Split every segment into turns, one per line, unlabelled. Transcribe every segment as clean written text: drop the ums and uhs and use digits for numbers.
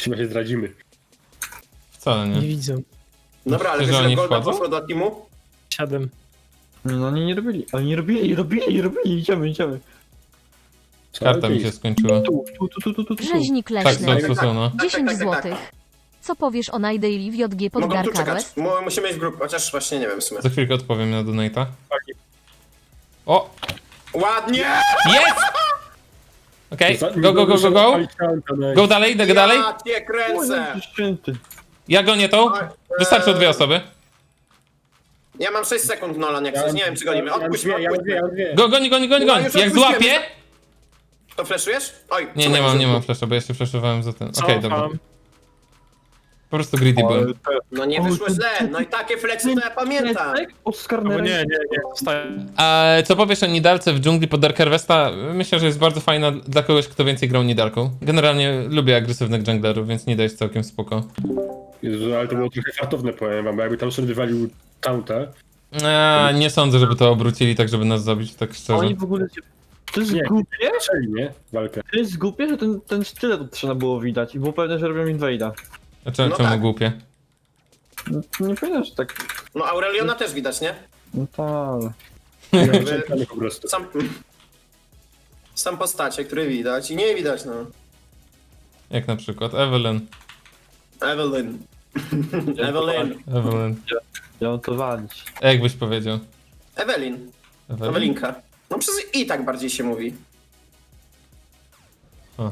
Chyba się zdradzimy.
Wcale
Nie
nie.
widzę.
Dobra, ale
Myślę,
wiesz,
że
że
oni
Golda
wchodzą?
poszło do teamu?
7.
No oni nie robili, idziemy.
Co?
Karta mi się skończyła.
Tu.
Rzeźnik
Tak,
leśny.
są, no.
10
tak.
złotych. Co powiesz o Nidaily w JG pod
Mogą tu czekać.
Garkarwest?
Musimy iść w grupę, chociaż właśnie nie wiem w sumie.
Za chwilkę odpowiem na donate'a. O!
Ładnie!
Jest! Okej, go. Go dalej, idę dalej.
Ja cię kręcę!
Święty.
Ja gonię tą. Wystarczą 2 osoby.
Ja mam 6 sekund, Nolan, jak coś. Nie wiem, czy gonimy. Odpuść mnie,
Ja mam
odpuść mnie.
dwie.
Goni.
No, już
Jak
odpuściłem.
złapię...
To flashujesz? Oj,
Nie,
co
nie
będzie?
mam flasha, bo ja się flashowałem za ten. Okej, dobra.
Cofam.
Po prostu greedy byłem.
No nie wyszło źle, no i takie fleksy to ja pamiętam.
Oscar
Albo nie, zostaję.
A co powiesz o Nidalce w dżungli pod Dark Harvesta? Myślę, że jest bardzo fajna dla kogoś, kto więcej grał Nidalką. Generalnie lubię agresywnych junglerów, więc Nida jest całkiem spoko.
Jezu, ale to było trochę fartowne, powiem wam, bo jakby tam sobie wywalił taunta.
Nie sądzę, żeby to obrócili tak, żeby nas zabić, tak szczerze.
Oni w ogóle... To jest
Nie.
głupie?
Zaczęli, nie? Walkę.
To jest głupie, że ten sztylet trzeba było widać i było pewne, że robią invade'a.
A czemu
No tak.
głupie?
No, nie powinno, że tak...
No Aureliona też widać, nie?
No tak.
Czekamy po prostu.
Sam postacie, które widać i nie widać, no.
Jak na przykład Evelyn.
Evelyn. Evelyn.
Ja mam to walić.
A jak byś powiedział?
Evelyn.
Evelyn?
Ewelinka. No przez i tak bardziej się mówi.
O.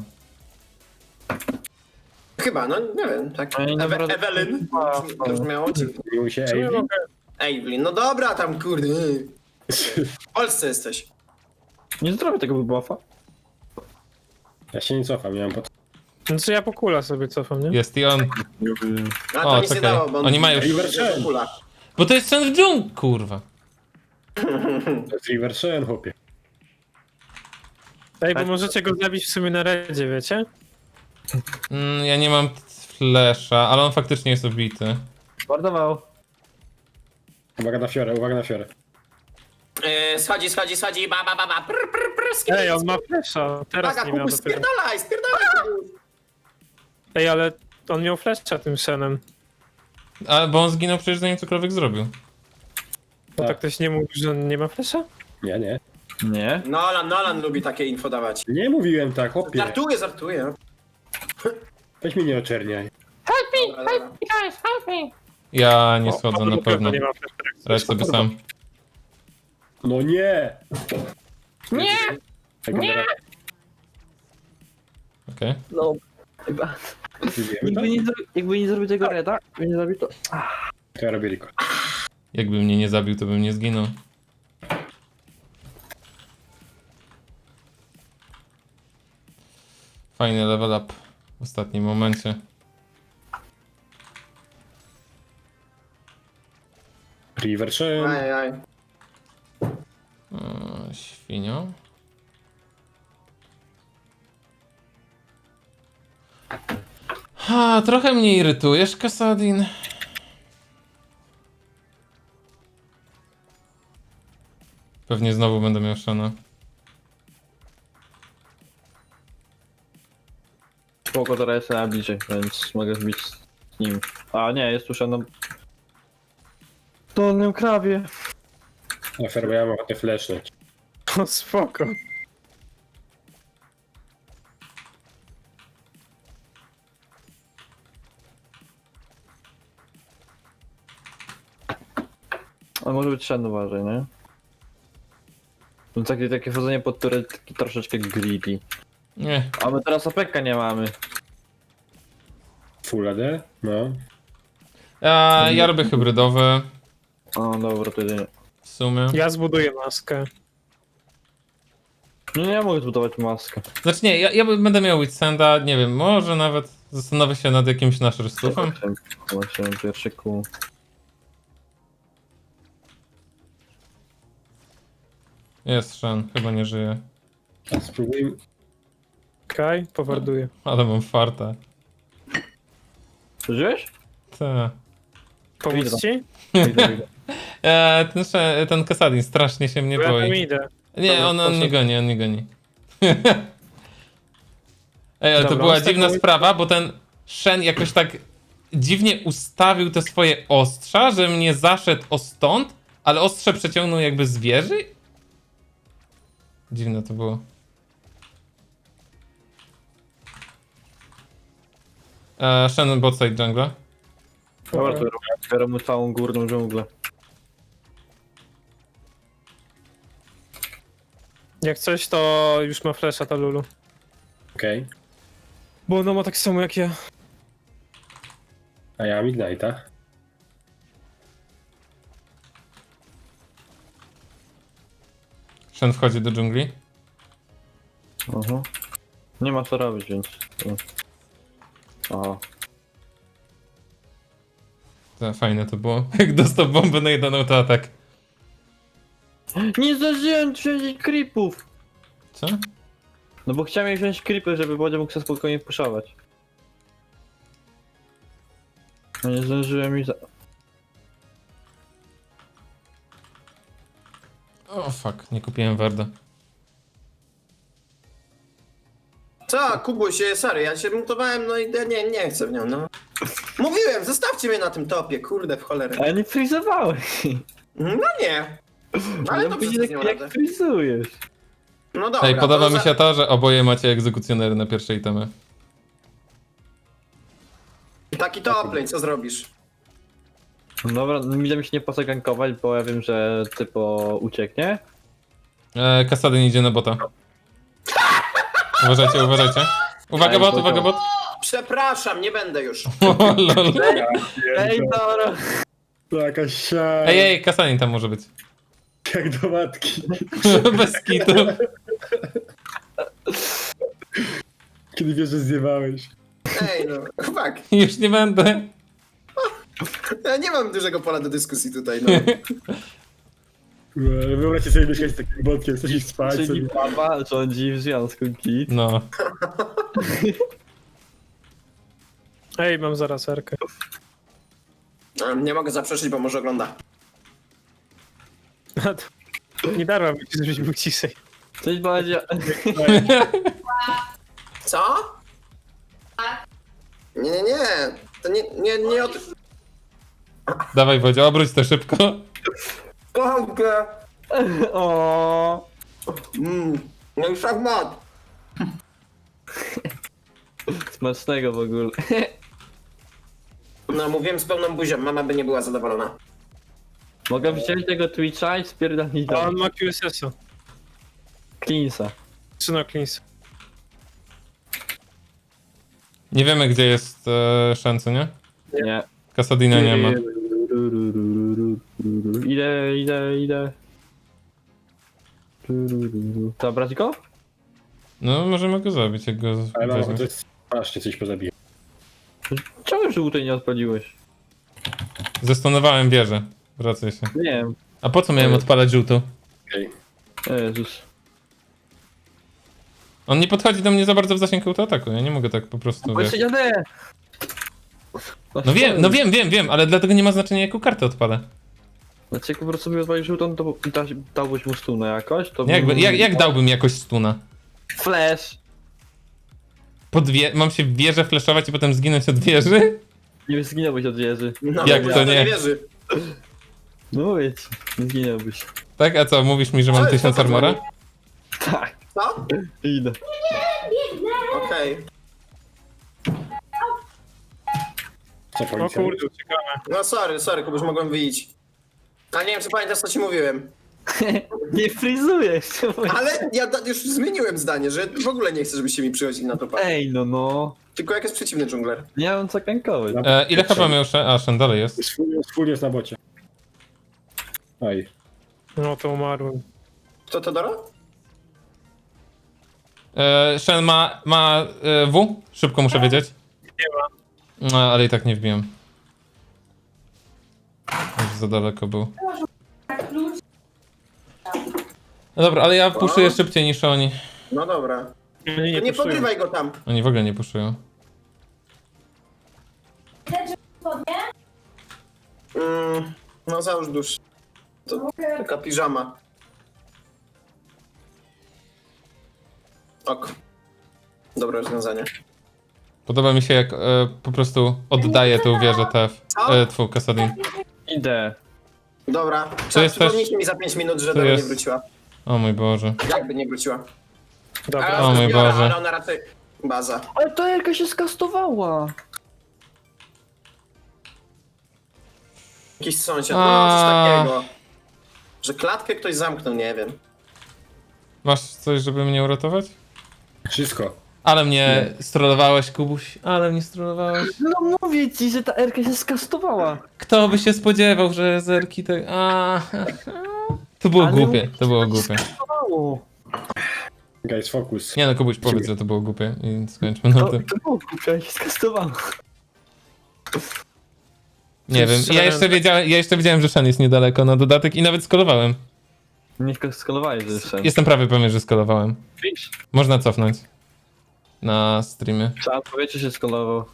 Chyba, no nie wiem, tak.
Oni naprawdę-
Evelyn. To brzmiało dziwnie.
Miło się
Czemu ja
Amy.
mogę?
Evelyn, no dobra tam, kurde. W Polsce jesteś.
Nie zrobię tego buffa.
Ja się nie cofam, ja mam pod...
Znaczy ja po kula sobie cofam, nie?
Jest i on.
A to
O,
nic nie
czekaj.
dało, bo
Oni mają już-
River Kula.
Bo to jest ten w dżungli, kurwa.
To jest River Shen, chłopie.
Ej, bo możecie go zabić w sumie na redzie, wiecie?
Ja nie mam flasha, ale on faktycznie jest obity.
Mordował.
Uwaga na fiorę, uwaga na fiorę.
Schodzi, ba, prr, skip.
Ej, on ma flesza. Teraz
Uwaga,
nie miał
Kubuś,
dopiero.
spierdalaj, Kubuś.
Ej, ale on miał flesza tym Shenem.
A, bo on zginął przecież zanim cokolwiek zrobił.
No tak ktoś nie mówi, że on nie ma flesza?
Nie.
Nie.
Nolan lubi takie info dawać.
Nie mówiłem tak, chłopie.
Żartuję.
Weź mnie nie oczerniaj.
Dobra.
Ja nie
O,
schodzę
on
na pewno.
Nie ma flesza.
Radź sobie sam.
No nie! Nie!
Okej.
No. Chyba. Jakby nie zrobił tego reda, jakby nie zrobił to...
To ja robię Rico.
Jakby mnie nie zabił, to bym nie zginął. Fajny level up w ostatnim momencie.
River Shen.
Aj.
Świnio. Ha, trochę mnie irytujesz, Kasadin. Pewnie znowu będę miał Shana.
Spoko, teraz jestem na bliżej, więc mogę zbić z nim. A nie, jest tu na dolnym krawie.
Na fiorę, bo ja mam ochotę flashnąć.
O, spoko.
Ale może być Shen, uważaj, nie? No takie wchodzenie pod turret, takie troszeczkę greedy.
Nie.
A my teraz APK nie mamy.
Full AD? No.
Ja robię hybrydowe.
O, dobra, to jedynie.
W sumie.
Ja zbuduję maskę.
No nie mogę zbudować maskę.
Znaczy nie, ja będę miał Witsenda, nie wiem, może nawet zastanowię się nad jakimś naszym stufem.
Właśnie, pierwszy kół.
Jest Shen, chyba nie żyje.
A spróbujmy.
Okej, powarduję.
Ale mam farta.
Przeżyłeś?
Ta.
Pomóc ci?
Ten Kasadin strasznie się mnie
Bo ja tam
boi.
idę.
Nie,
Dobra,
on
proszę.
nie goni, on nie goni. Ej, ale to
Dobra,
była
on z tego
dziwna
mój-
sprawa, bo ten Shen jakoś tak dziwnie ustawił te swoje ostrza, że mnie zaszedł o stąd, ale ostrze przeciągnął jakby z wieży? Dziwne to było. Shen botside jungle.
Dobra, to otwieram mu całą górną dżunglę.
Jak coś, to już ma flasha ta Lulu.
Okej.
Bo ona ma tak samo jak ja.
A ja mam Ignite'a.
Shen wchodzi do dżungli.
Aha. Nie ma co robić, więc... Aha.
Fajne to było. Jak dostał bombę na jeden autoatak.
Nie zdążyłem wziąć creepów!
Co?
No bo chciałem wziąć creepy, żeby Bodzio mógł sobie spokojnie puszować. No nie zdążyłem i za...
O fuck, nie kupiłem Warda.
Co, Kubuś, sorry, ja się mutowałem, no i nie chcę w nią, no. Mówiłem, zostawcie mnie na tym topie, kurde, w cholerę.
Ale nie frizowałeś!
No nie. Ale to
widzisz, jak frizujesz.
No dobra.
Ej, podoba
to
mi się to, że oboje macie egzekucjonery na pierwszej temie.
Taki top lane, co zrobisz?
Dobra, mi się nie po co gankować, bo ja wiem, że typo ucieknie.
Kasadyn idzie na bota. Uważajcie, uważajcie. Uwaga
Ej,
bot,
bota.
uwaga bot.
Przepraszam, nie będę już.
O lol.
Ej, dobra!
Jakaś siara.
Ej, Kasadin tam może być.
Jak do matki.
Bez kitu.
Kiedy wiesz, że zjebałeś.
Ej, no, fuck.
Już nie będę.
Ja nie mam dużego pola do dyskusji tutaj, no.
Wyobraźcie sobie mieszkać z takim botkiem, chcesz iść spać
Czyli
sobie.
baba rządzi w związku git.
No.
Ej, mam zaraz erkę.
Nie mogę zaprzeczyć, bo może ogląda.
Nie darłam ci, żebyś był ciszej.
Cześć Bodzio.
Co? Nie. To nie od...
Dawaj Wodzio, obróć to szybko.
Kocham cię.
O.
No i szachmat.
Smacznego w ogóle.
No, mówiłem z pełną buzią, mama by nie była zadowolona.
Mogę wziąć tego Twitcha i spierdolić
A
do
on ma QSS-a.
Cleansa.
Czy na cleans?
Nie wiemy gdzie jest Shen, co nie?
Nie.
Kasadina nie ma.
Idę. To brać go?
No możemy go zabić, jak go
Ale mam
weźmiesz.
ochotę strasznie coś pozabiję.
Czemu żółtej nie odpaliłeś?
Zestonowałem wieżę. Wracaj się.
Nie wiem.
A po co miałem odpalać żółtą?
Okej.
Jezus.
On nie podchodzi do mnie za bardzo w zasięgu autoataku, ja nie mogę tak po prostu,
Bo
wiesz.
jeszcze jadę!
No wiem, ale dlatego nie ma znaczenia jaką kartę odpalę.
Znaczy jak po prostu mi odpalił żółtą, to dałbyś mu stunę jakoś? To
Jak dałbym jakoś stuna?
Flash!
Mam się w wieżę flashować i potem zginąć od wieży?
Nie zginąłbyś od wieży.
No,
Jak
ja
to
w
nie?
wierzy.
No mówię ci, nie zginąłbyś.
Tak? A co, mówisz mi, że mam
Co jest
1000
to za
armora?
Tak,
Co?
idę.
Okej.
Co
O
policja?
kurde, uciekamy.
No sorry, Kubuś, mogłem wyjść. A nie wiem, czy pamiętasz, co ci mówiłem.
Nie frizujesz!
Ale ja już zmieniłem zdanie, że w ogóle nie chcę, żebyście mi przychodzili na to parę.
Ej, no.
Tylko jak jest przeciwny dżungler.
Nie mam co kankować.
Ile chyba miał Shen? A, Shen dalej jest.
Full jest na bocie. Oj.
No to umarłem.
Kto to Dora?
Shen ma W? Szybko muszę wiedzieć.
Nie ma.
No, ale i tak nie wbiłem. Już za daleko był. No dobra, ale ja puszuję szybciej niż oni.
No dobra.
Nie,
To nie
puszują.
podrywaj go tam.
Oni w ogóle nie puszują.
No załóż dusz. To taka piżama. Ok. Dobre rozwiązanie.
Podoba mi się jak po prostu oddaje tą wieżę TF. Twój Kasadin.
Idę.
Dobra,
To jest też-
przypomnijcie mi za 5 minut, że
to
do mnie nie
jest-
wróciła.
O mój Boże.
Jakby nie wróciła.
Dobra.
Ale
O mój
zbiorę,
Boże.
ale ona raczej... Baza.
Ale to Erka się skastowała.
Jakiś sąsiad, no
A.
coś takiego. Że klatkę ktoś zamknął, nie wiem.
Masz coś, żeby mnie uratować?
Wszystko.
Ale mnie strollowałeś, Kubuś. Ale mnie strollowałeś.
No mówię ci, że ta Erka się skastowała.
Kto by się spodziewał, że zerki te... To było
Ale
głupie, to było głupie.
Skastowało.
Guys, focus.
Nie no, Kubuś, powiedz, że to było głupie i skończmy na
To
tym.
było głupie, się skastowało.
Nie wiem, ja jeszcze wiedziałem, że Shen jest niedaleko na dodatek i nawet skolowałem.
Nie skalowałeś jeszcze.
Jestem prawie pewien, że skolowałem.
Wiesz?
Można cofnąć. Na streamie.
Trzeba powiedzieć, że się skalował.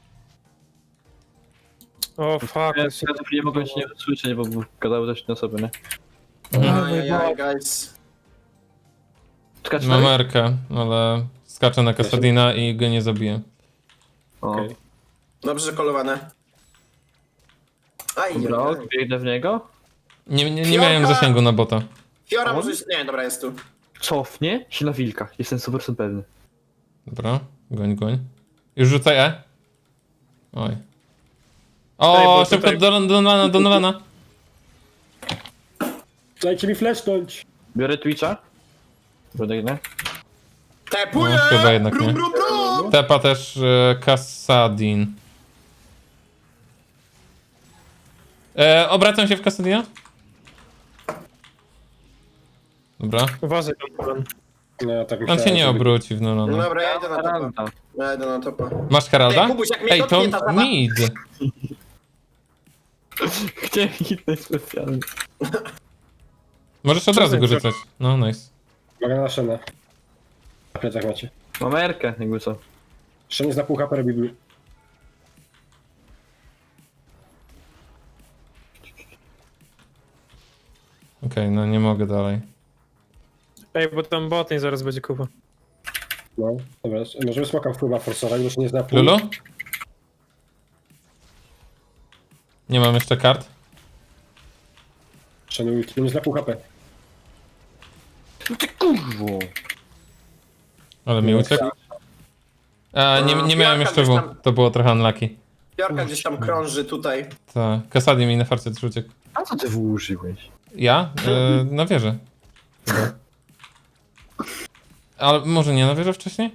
O fuck.
Ja nie mogłem się nie usłyszeć, bo gadały też na sobie, nie?
Ajajaj, guys.
Czekaj,
Mam Erkę, ale skaczę na Kasadina i go nie zabiję.
O,
Okej.
Dobrze, że kolowane. Aj,
dobra, biegnę w niego.
Nie miałem zasięgu na bota.
Fiora
On?
może... Nie, dobra, jest tu.
Cofnie się na wilkach, jestem super pewny.
Dobra, goń. Już rzucaj E. Oj.
Ej,
O,
bo
szybko
tutaj-
do Nolana.
Dajcie mi flashnąć.
Biorę Twitcha. Biegnę.
Tepuję!
No, chyba jednak
brum,
nie.
brum, brum!
Tepa też Kasadin. Obracam się w Kasadina. Dobra.
Uważaj tam, pan.
No, tak
On
myślałem,
się nie
żeby-
obróci w Nolana.
Dobra, ja idę na topa.
Randa.
Ja idę na topa.
Masz Heralda?
Ej, Kubuś, jak mnie
Ej, to
dotknie ta zabawa-
mid.
Chciałem hitnąć specjalnie.
Możesz od razu go rzucać. No, nice.
Uwaga na Shena. Na plecach macie.
Mam Erkę, jakby co.
Shen jest na pół HP, robi blue.
Okej, no nie mogę dalej.
Ej, bo tam botnie zaraz będzie kupa.
No, dobra. Możemy smoka wpływa forsować, bo się nie zna pół.
Lulu? Nie mam jeszcze kart.
Shen ulti, nie zna pół HP.
No ty kurwo.
Ale mi uciekł. A, nie miałem jeszcze W. To było trochę unlucky.
Fiorka gdzieś tam krąży tutaj.
Tak. Kasadin mi na farcie też uciekł.
A co ty użyłeś?
Ja? Na wieżę. Chyba. Ale może nie na wieżę wcześniej?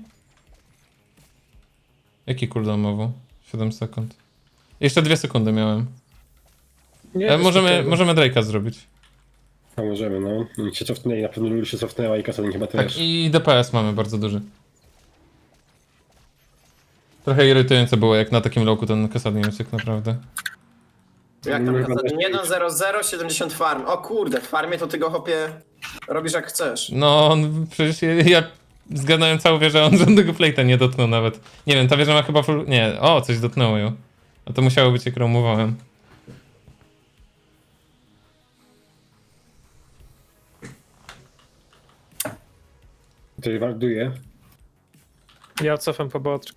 Jaki cooldown mowu? 7 sekund. Jeszcze 2 sekundy miałem.
Nie,
Możemy Drake'a zrobić.
No możemy, no. Oni się cofnęli, na pewno Lulu się cofnęła i Kasadin chyba
Tak,
też.
i DPS mamy bardzo duży. Trochę irytujące było, jak na takim loku ten Kasadin uciekł, naprawdę.
Jak tam
Chyba
Kasadin?
też-
1-0-0, 70 farm. O kurde, w farmie to ty go hopie robisz jak chcesz.
No, on, przecież ja zgadnąłem całą wieżę, on żadnego plate'a nie dotknął nawet. Nie wiem, ta wieża ma chyba full... Nie, o, coś dotknęło ją. A to musiało być, jak roamowałem.
Tutaj warduje.
Ja cofam po bot.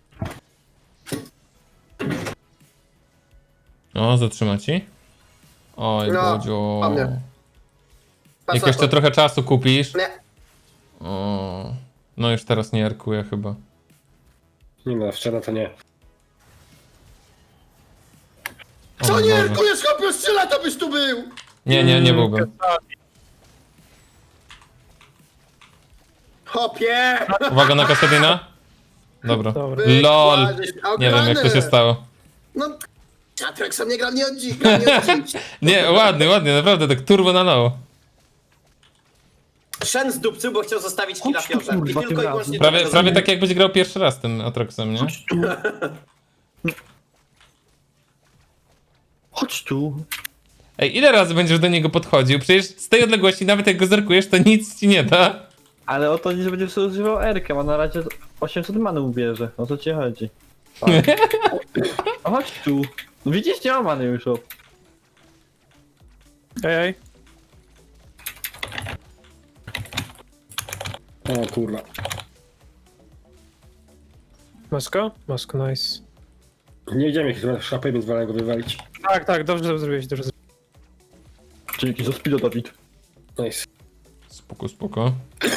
O, zatrzyma ci. Oj,
No,
Bodzio.
ładnie. Patrz
Jak
na
jeszcze
to.
trochę czasu kupisz.
Nie.
O, no już teraz nie arkuję chyba.
Nie no, wczoraj to nie.
O
Co
mój
nie,
Boże.
Erkujesz, chłopie, 3 lata byś tu był!
Nie byłbym.
Hopie!
Uwaga na Kasadina. Dobra.
Dobra.
LOL.
Żeś
Nie wiem, jak to się
ograny.
stało.
No, Atrek sam nie gra nie od dziś, gra nie od dziś.
Nie, ładnie, naprawdę, tak turbo na low.
Shen zdupcył, bo chciał zostawić killa
Chodź tu,
Fiorze. I
kurwa,
tylko
tym
i
razem.
wyłącznie
Prawie,
to
prawie tak jakbyś grał pierwszy raz tym Atroxem, nie?
Chodź tu.
Ej, ile razy będziesz do niego podchodził? Przecież z tej odległości, nawet jak go zerkujesz, to nic ci nie da.
Ale o to nie, że będzie sobie używał Erkę, a na razie 800 many ubierze. O co ci chodzi? Tak. O, chodź tu. No widzisz, nie ma many już. O.
Ej.
O kurwa.
Masz go? Masz go, nice.
Nie idziemy, jak ma szapę, więc wolę go wywalić.
Tak, dobrze zrobiłeś, dobrze zrobiłeś.
Dzięki za speedo, Dawid.
Nice.
Spoko.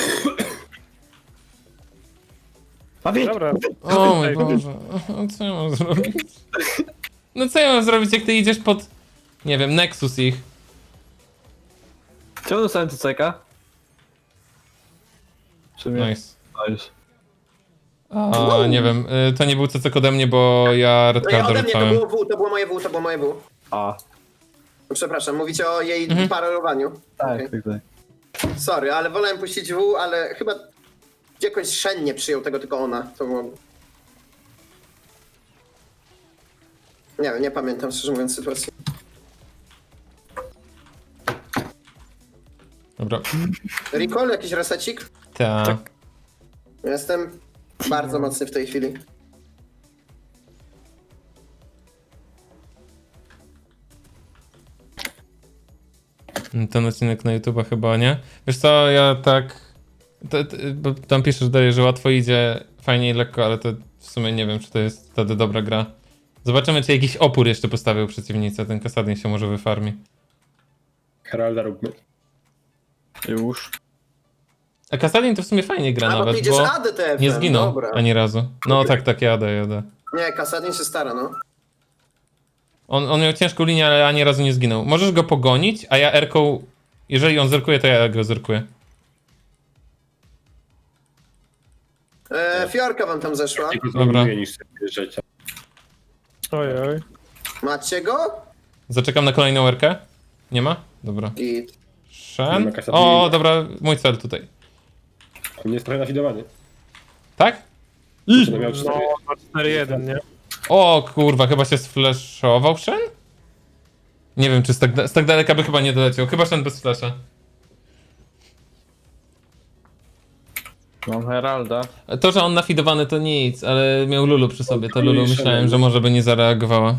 Dawid!
Dobra.
O mój Boże, co ja mam zrobić? No co ja mam zrobić, jak ty idziesz pod... Nie wiem, Nexus ich.
Czemu dostałem CCK? Czy mnie?
Nice.
Nice.
A, nie wiem, to nie był CC ode mnie, bo ja
No i
redcarda
ode mnie to
rzucałem.
było W, to było moje W, to było moje W.
A,
Przepraszam, mówicie o jej
Mhm.
parowaniu.
tak,
Okej.
tak.
Sorry, ale wolałem puścić W, ale chyba jakoś Shen nie przyjął tego, tylko ona. To było... Nie wiem, nie pamiętam szczerze mówiąc sytuacji.
Dobra.
Recall, jakiś resecik?
Ta.
Jestem bardzo mocny w tej chwili.
Ten odcinek na YouTube'a chyba nie. Wiesz co, ja tak... bo tam piszesz dalej, że łatwo idzie, fajnie i lekko, ale to w sumie nie wiem, czy to jest wtedy dobra gra. Zobaczymy, czy jakiś opór jeszcze postawił przeciwnicy. Ten Kasadin się może wyfarmi.
Heralda róbmy.
Już.
A Kasadin to w sumie fajnie gra
A, bo ty
nawet,
idziesz
bo
ADTF.
nie zginął
Dobra.
ani razu. No tak, jadę.
Nie, Kasadin się stara, no.
On miał ciężką linię, ale ani razu nie zginął. Możesz go pogonić, a ja Erką... Jeżeli on zerkuje, to ja go zerkuję.
Fiorka wam tam zeszła.
Tylko
Dobra.
zmarnuję niż sobie wjeżdżać.
Ojoj.
Macie go?
Zaczekam na kolejną Erkę. Nie ma? Dobra.
Git.
Nie
Shen.
ma Kasadina.
O, dobra, mój cel tutaj.
On jest trochę nafidowany.
Tak?
Będę miał 4.
No, ma 4-1, nie?
O kurwa, chyba się sflashował Shen? Nie wiem, czy z tak daleka by chyba nie doleciał. Chyba Shen bez flasha.
Mam Heralda.
To, że on nafidowany to nic, ale miał Lulu przy sobie. To Lulu
Shen.
myślałem, że może by nie zareagowała.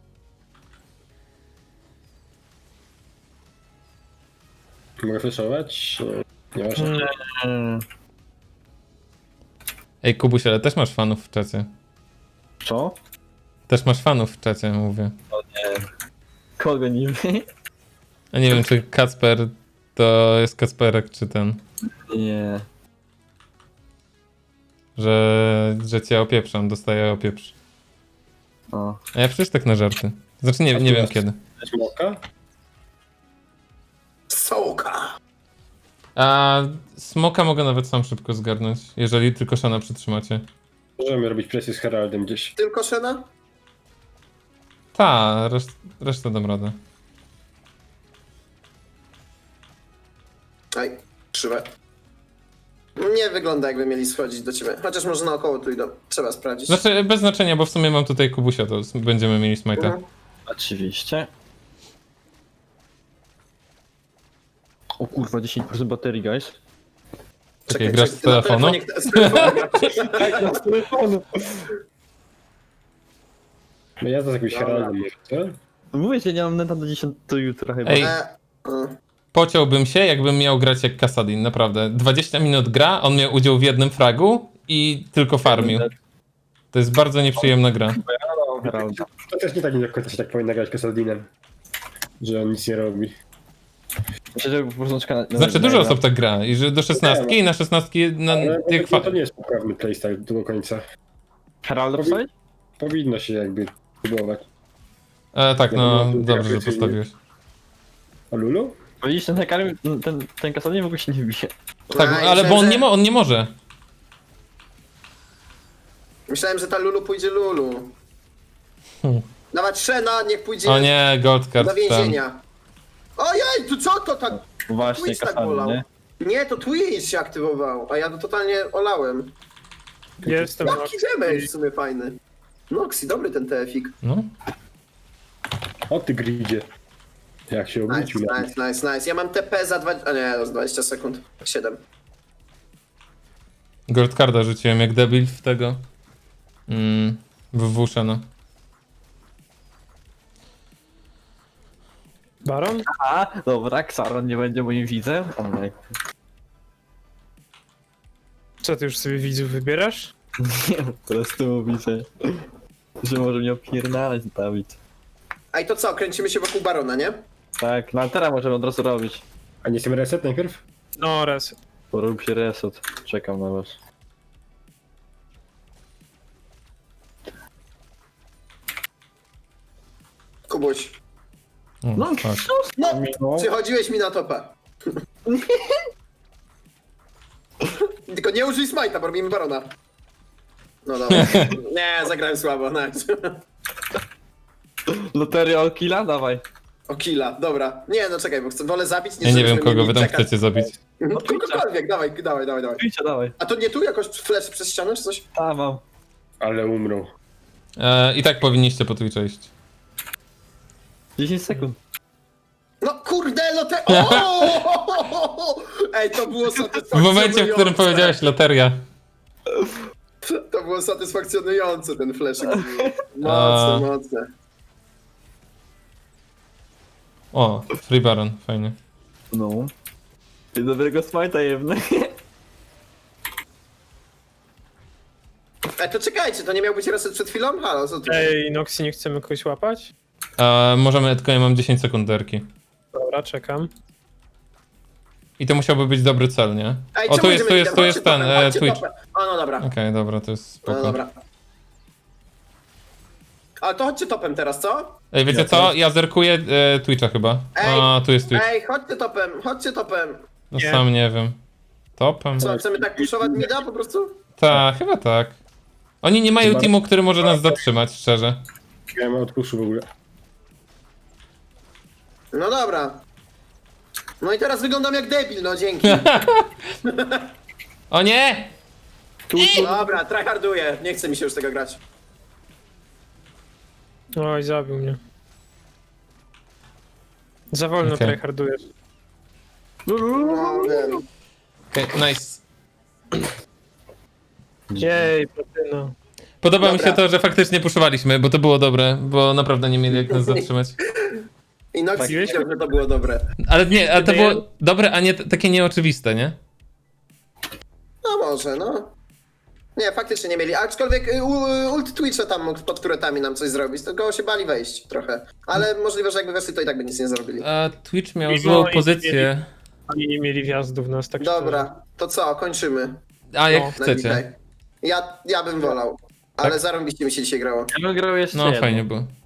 Mogę flashować? Nie ważne.
Ej, Kubuś, ale też masz fanów w czacie.
Co?
Też masz fanów w czacie, mówię.
Kogo niby?
A nie wiem, czy Kacper to jest Kacperek, czy ten,
Nie.
że cię opieprzam, dostaję opieprz.
O.
A ja przecież tak na żarty. Znaczy nie wiem kiedy.
Smoka?
Sołka.
A smoka mogę nawet sam szybko zgarnąć, jeżeli tylko Shana przytrzymacie.
Możemy robić presję z Heraldem gdzieś.
Tylko Shena?
Ta, resztę dam radę.
Aj, krzywe. Nie wygląda jakby mieli schodzić do ciebie. Chociaż może naokoło tu idą. Trzeba sprawdzić.
Znaczy, bez znaczenia, bo w sumie mam tutaj Kubusia, to będziemy mieli smite'a.
Mhm.
Oczywiście. O kurwa, 10% baterii, guys.
Czekaj, grasz z
ty na
telefonu?
telefonie- z telefonu grasz.
No ja z jakimś Heraldem może, co?
Mówię ci, nie mam neta do 10 do jutra chyba.
Ej.
E,
Pociąłbym się, jakbym miał grać jak Kasadin, naprawdę. 20 minut gra, on miał udział w jednym fragu i tylko farmił. To jest bardzo nieprzyjemna gra.
Mam Heralda.
To też nie tak do końca się tak powinno grać Kasadinem. Że on nic nie robi.
Myślę, że po prostu czeka na...
Znaczy, dużo osób tak gra i że do 16 i na 16
Ale
jak
to nie jest poprawny playstyle do końca.
Heralda postawić?
Powinno się jakby próbować.
Tak, no
Ja
dobrze, że
jakoś
postawiłeś.
A Lulu?
Widzisz, ten hekar, ten kasadnie w ogóle się nie bije.
Tak,
a,
ale bo
myślałem,
on nie może.
Myślałem, że ta Lulu pójdzie Lulu.
Hmm.
Dawać Shena, niech pójdzie
O nie, gold card
do
ten.
więzienia. Ojej, tu co to tak?
Właśnie,
Twitch tak
kasadnie,
bolał.
nie?
Nie, to Twitch się aktywował, a ja to totalnie olałem.
Jestem.
Jaki damage w sumie fajny. Noxy, dobry ten TF-ik.
No.
O ty gridzie. Jak się
Nice,
obrócił na mnie.
nice. Ja mam TP za 20... A nie, za 20 sekund. 7.
Gold carda rzuciłem jak debil w tego. W Wushana.
Baron?
A, dobra, Xaron nie będzie moim widzem. O nie.
Co, ty już sobie widzów wybierasz?
Nie, po prostu mówi, że może mnie opierdalać Dawid.
A i to co, kręcimy się wokół Barona, nie?
Tak, no a teraz możemy od razu robić.
A nie chcemy reset najpierw?
No, res.
Porób się reset. Czekam na was.
Kubuś.
O,
No,
fuck.
No, przychodziłeś mi na topę. Tylko nie użyj smite'a, bo robimy Barona. No dobra. Nie, zagrałem słabo, nice.
Loteria o killa? Dawaj.
O killa, dobra. Nie, no czekaj, bo wolę zabić,
Ja nie wiem
żebyśmy
kogo
mieli
wy tam
czekać.
chcecie zabić.
Kogokolwiek, dawaj.
Idźcie, dawaj.
A to nie tu jakoś flash przez ścianę czy coś?
A, mam.
Ale umrą.
I tak powinniście po Twitcha iść.
10 sekund.
No kurde, no te... O! Ej, to było
W
satysfakcjonujące.
momencie, w którym powiedziałeś loteria.
To było satysfakcjonujące, ten flashyk. Mocne, mocne.
O, Free Baron, fajnie.
No. I dobrego smajta jebny.
Ej, to czekajcie, to nie miał być reset przed chwilą? Halo, co tu?
Ej, Noxy, nie chcemy kogoś łapać?
Możemy, tylko ja mam 10 sekund derki.
Dobra, czekam.
I to musiałby być dobry cel, nie?
Ej,
O,
czemu
tu jest
idziemy
ten,
Chodźcie topem, chodźcie
Twitch.
topem. O, no dobra.
Okej, dobra, to jest
No
spoko.
dobra. Ale to chodźcie topem teraz, co?
Ej, wiecie co? Ja zerkuję Twitcha chyba.
Ej,
A, tu jest Twitch.
Ej, chodźcie topem.
No
Nie.
sam nie wiem. Topem?
Co, chcemy tak puszować mida po prostu?
Tak, chyba tak. Oni nie mają
Chyba-
teamu, który może nas zatrzymać, szczerze.
Ja mam odpuszu w ogóle.
No dobra. No i teraz wyglądam jak debil, no dzięki.
O nie!
Dobra, tryharduję. Nie chce mi się już tego grać.
Oj, zabił mnie. Za wolno
Okej.
tryhardujesz.
No wiem.
Okej, nice.
Jej, platyna.
Podoba mi
Dobra.
się to, że faktycznie puszowaliśmy, bo to było dobre, bo naprawdę nie mieli jak nas zatrzymać.
I Nox
Tak.
wiedział, że to było dobre.
Ale nie, ale to
Gdyby-
było dobre, a nie takie nieoczywiste, nie?
No może, no. Nie, faktycznie nie mieli. Aczkolwiek ult Twitcha tam mógł pod turetami nam coś zrobić, tylko się bali wejść trochę. Ale możliwe, że jakby weszli, to i tak by nic nie zrobili.
A Twitch miał
No
złą
i
pozycję.
Oni nie mieli wjazdów w nas, tak
Dobra, to co, kończymy.
A jak
No,
chcecie.
Ja bym wolał. Ale zarąbiście mi się dzisiaj grało.
Ja bym grał jeszcze
No
jedno.
fajnie było.